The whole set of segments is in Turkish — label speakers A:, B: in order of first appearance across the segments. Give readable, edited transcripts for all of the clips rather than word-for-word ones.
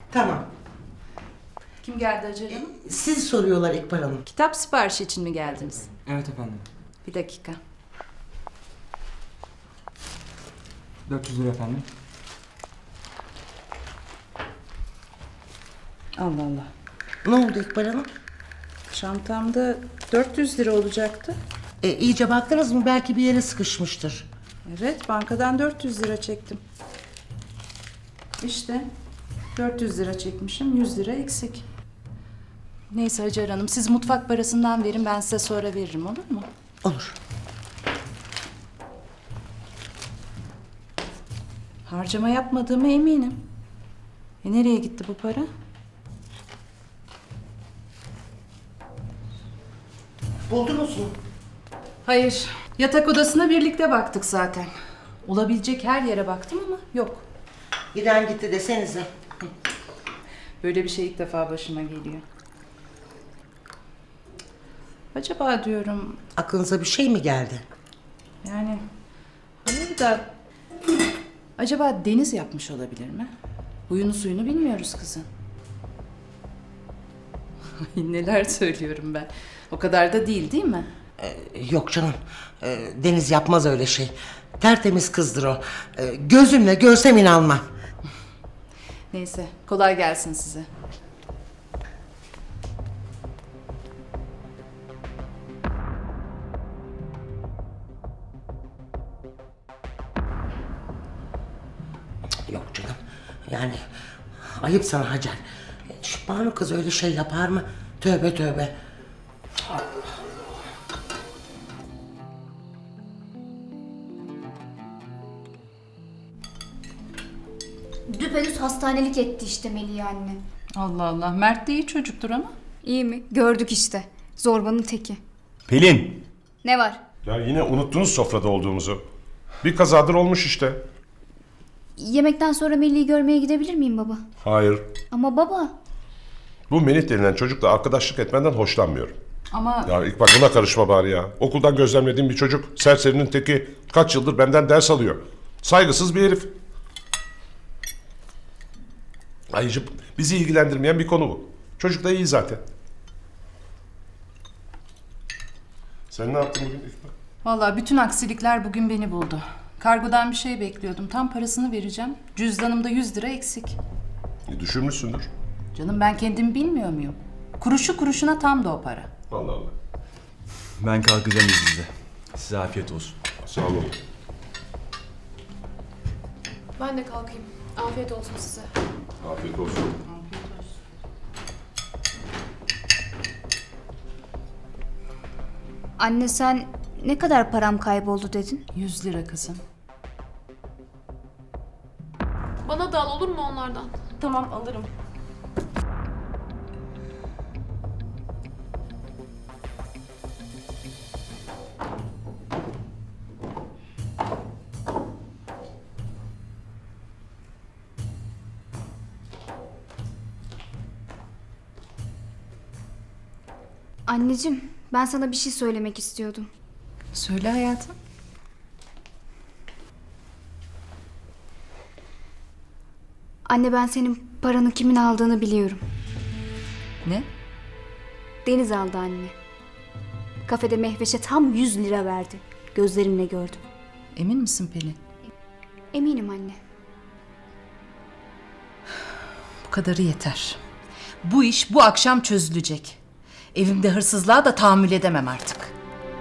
A: Tamam.
B: Kim geldi Hacer Hanım?
A: Siz soruyorlar İkbal Hanım.
B: Kitap siparişi için mi geldiniz?
C: Evet efendim.
B: Bir dakika.
C: 400 lira efendim.
B: Allah Allah.
A: Ne oldu İkbal Hanım?
B: Çantamda 400 lira olacaktı.
A: İyice baktınız mı? Belki bir yere sıkışmıştır.
B: Evet, bankadan 400 lira çektim. İşte 400 lira çekmişim, 100 lira eksik. Neyse Hacer Hanım, siz mutfak parasından verin, ben size sonra veririm, olur mu?
A: Olur.
B: Harcama yapmadığıma eminim. Nereye gitti bu para?
A: Buldunuz mu?
B: Hayır, yatak odasına birlikte baktık zaten. Olabilecek her yere baktım ama yok.
A: Giden gitti desenize.
B: Böyle bir şey ilk defa başıma geliyor. Acaba diyorum,
A: Aklınıza bir şey mi geldi?
B: yani hayır da acaba Deniz yapmış olabilir mi? Huyunu suyunu bilmiyoruz kızın. Ay, neler söylüyorum ben. O kadar da değil mi?
A: Yok canım. Deniz yapmaz öyle şey. Tertemiz kızdır o. Gözümle görsem inanmam.
B: Neyse, kolay gelsin size.
A: Yok canım. Yani ayıp sana Hacer. Şu Banu kız öyle şey yapar mı? Tövbe tövbe.
D: Düpedüz hastanelik etti işte Melih anne.
B: Allah Allah, Mert de iyi çocuktur ama.
D: İyi mi? Gördük işte. Zorbanın teki.
E: Pelin!
D: Ne var?
E: Ya yine unuttunuz sofrada olduğumuzu. Bir kazadır olmuş işte.
D: Yemekten sonra Melih'i görmeye gidebilir miyim baba?
E: Hayır.
D: Ama baba.
E: Bu Melih denilen çocukla arkadaşlık etmenden hoşlanmıyorum.
B: Ama
E: Ya ilk bak buna karışma bari ya. Okuldan gözlemlediğim bir çocuk, serserinin teki, kaç yıldır benden ders alıyor. Saygısız bir herif. Ayrıca bizi ilgilendirmeyen bir konu bu. Çocuk da iyi zaten. Sen ne yaptın bugün İkbal?
B: vallahi bütün aksilikler bugün beni buldu. Kargodan bir şey bekliyordum. Tam parasını vereceğim. Cüzdanımda 100 lira eksik.
E: Düşürmüşsündür.
B: Canım ben kendimi bilmiyor muyum? Kuruşu kuruşuna tam da o para.
E: Allah Allah.
F: Ben kalkacağım izninizle. Size afiyet olsun.
E: Sağ olun.
G: Ben de kalkayım. Afiyet olsun size.
E: Afiyet olsun.
D: Anne sen ne kadar param kayboldu dedin?
B: 100 lira kızım.
G: Bana da al olur mu onlardan?
B: Tamam alırım.
D: Anneciğim ben sana bir şey söylemek istiyordum.
B: Söyle hayatım.
D: Anne ben senin paranı kimin aldığını biliyorum.
B: Ne?
D: Deniz aldı anne. Kafede Mehveş'e tam 100 lira verdi. Gözlerimle gördüm.
B: Emin misin Pelin?
D: Eminim anne.
B: Bu kadarı yeter. Bu iş bu akşam çözülecek. Evimde hırsızlığa da tahammül edemem artık.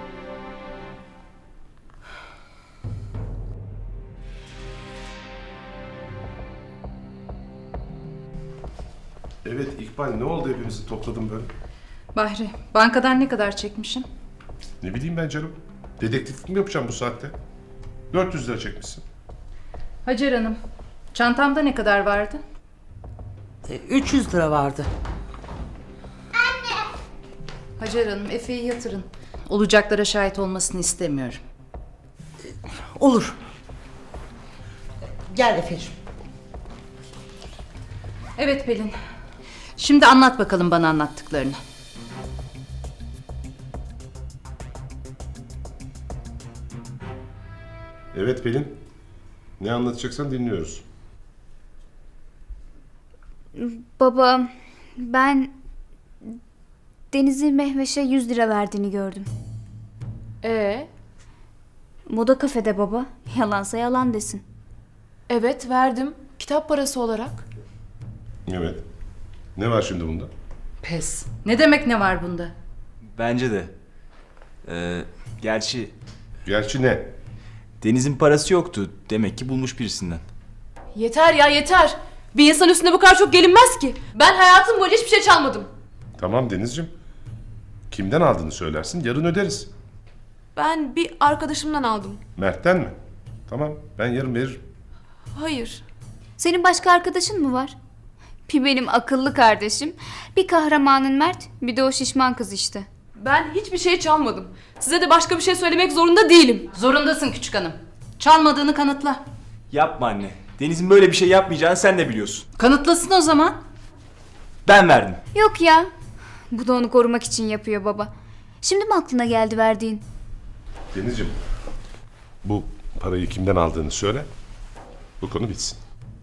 E: Evet İkbal, ne oldu hepinizi topladım böyle?
B: Bahri, bankadan ne kadar çekmişim?
E: Ne bileyim ben canım. Dedektiflik mi yapacağım bu saatte? 400 lira çekmişsin.
B: Hacer Hanım, çantamda ne kadar vardı?
A: 300 lira vardı.
B: Hacer Hanım, Efe'yi yatırın. Olacaklara şahit olmasını istemiyorum.
A: Olur. Gel Efe'cim.
B: Evet Pelin. Şimdi anlat bakalım bana anlattıklarını.
E: Evet Pelin. Ne anlatacaksan dinliyoruz.
D: Baba, ben Deniz'in Mehveş'e 100 lira verdiğini gördüm. Moda kafede baba. Yalansa yalan desin.
G: Evet verdim. Kitap parası olarak.
E: Evet. Ne var şimdi bunda?
B: Pes. Ne demek ne var bunda?
F: Bence de. Gerçi
E: Gerçi ne?
F: Deniz'in parası yoktu. Demek ki bulmuş birisinden.
G: Yeter ya yeter. Bir insan üstüne bu kadar çok gelinmez ki. Ben hayatım boyunca hiçbir şey çalmadım.
E: Tamam Denizciğim. Kimden aldığını söylersin, yarın öderiz.
G: Ben bir arkadaşımdan aldım.
E: Mert'ten mi? Tamam, ben yarın veririm.
G: Hayır.
D: Senin başka arkadaşın mı var? Bir benim akıllı kardeşim, bir kahramanın Mert, bir de o şişman kız işte.
G: Ben hiçbir şey çalmadım. Size de başka bir şey söylemek zorunda değilim.
B: Zorundasın küçük hanım. Çalmadığını kanıtla.
F: Yapma anne. Deniz'in böyle bir şey yapmayacağını sen de biliyorsun.
B: Kanıtlasın o zaman.
F: Ben verdim.
D: Yok ya. Bu da onu korumak için yapıyor baba. Şimdi mi aklına geldi verdiğin?
E: Denizciğim, bu parayı kimden aldığını söyle. Bu konu bitsin.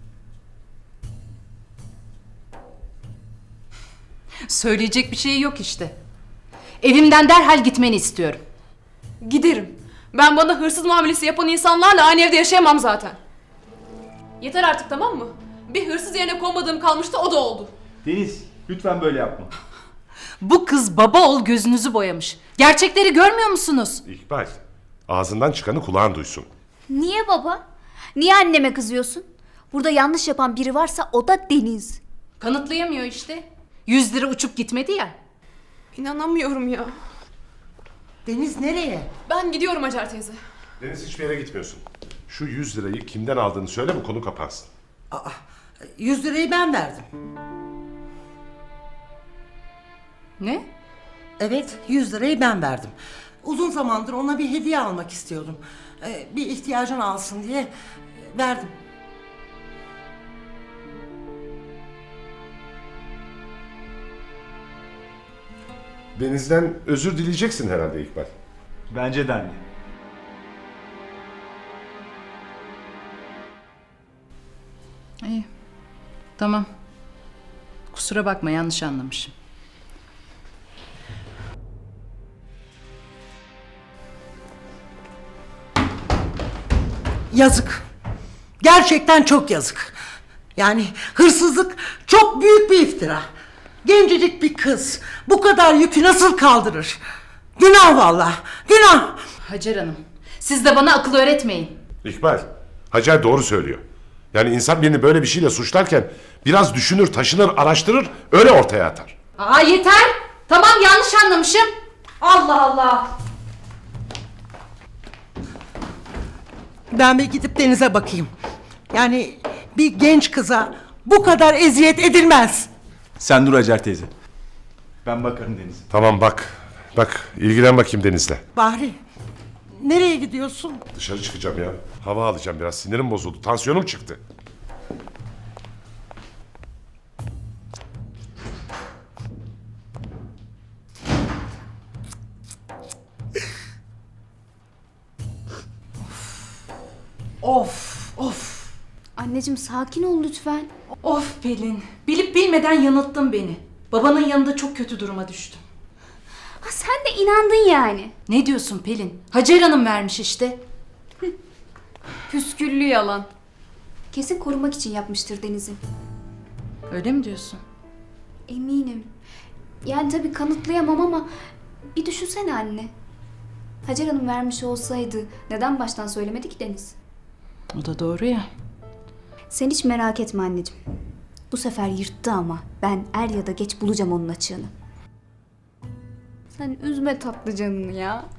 B: Söyleyecek bir şey yok işte. Evimden derhal gitmeni istiyorum.
G: Giderim. Ben bana hırsız muamelesi yapan insanlarla aynı evde yaşayamam zaten. Yeter artık, tamam mı? Bir hırsız yerine konmadığım kalmıştı, o da oldu.
F: Deniz, lütfen böyle yapma.
B: Bu kız baba ol gözünüzü boyamış. Gerçekleri görmüyor musunuz?
E: İkbal, ağzından çıkanı kulağın duysun.
D: Niye baba? Niye anneme kızıyorsun? Burada yanlış yapan biri varsa o da Deniz.
B: Kanıtlayamıyor işte. 100 lira uçup gitmedi ya.
G: İnanamıyorum ya.
A: Deniz nereye?
G: Ben gidiyorum Hacer teyze.
E: Deniz, hiçbir yere gitmiyorsun. Şu 100 lirayı kimden aldığını söyle, bu konu kapansın.
A: 100 lirayı ben verdim.
B: Ne?
A: Evet, 100 lirayı ben verdim. Uzun zamandır ona bir hediye almak istiyordum. Bir ihtiyacını alsın diye verdim.
E: Deniz'den özür dileyeceksin herhalde İkbal.
F: Bence de anne.
B: İyi. Tamam. Kusura bakma, yanlış anlamışım.
A: Yazık. Gerçekten çok yazık. Yani hırsızlık çok büyük bir iftira. Gencecik bir kız bu kadar yükü nasıl kaldırır? Günah vallahi, günah.
B: Hacer Hanım, siz de bana akıl öğretmeyin.
E: İkbal, Hacer doğru söylüyor. Yani insan birini böyle bir şeyle suçlarken biraz düşünür, taşınır, araştırır, öyle ortaya atar.
B: Aa yeter. Tamam, yanlış anlamışım. Allah Allah.
A: Ben bir gidip Deniz'e bakayım. Yani bir genç kıza bu kadar eziyet edilmez.
F: Sen dur Hacer teyze. Ben bakarım Deniz'e.
E: Tamam bak, ilgilen bakayım Deniz'le.
A: Bahri, nereye gidiyorsun?
E: Dışarı çıkacağım ya. Hava alacağım biraz, sinirim bozuldu, tansiyonum çıktı.
A: Of, of.
D: Anneciğim sakin ol lütfen.
B: Of Pelin, bilip bilmeden yanılttın beni. Babanın yanında çok kötü duruma düştüm.
D: Ha, sen de inandın yani.
B: Ne diyorsun Pelin? Hacer Hanım vermiş işte.
D: Püsküllü yalan. Kesin korumak için yapmıştır Deniz'i.
B: Öyle mi diyorsun?
D: Eminim. Yani tabii kanıtlayamam ama bir düşünsene anne. Hacer Hanım vermiş olsaydı neden baştan söylemedi ki Deniz?
B: O da doğru ya.
D: Sen hiç merak etme anneciğim. Bu sefer yırttı ama ben er ya da geç bulacağım onun açığını. Sen üzme tatlı canını ya.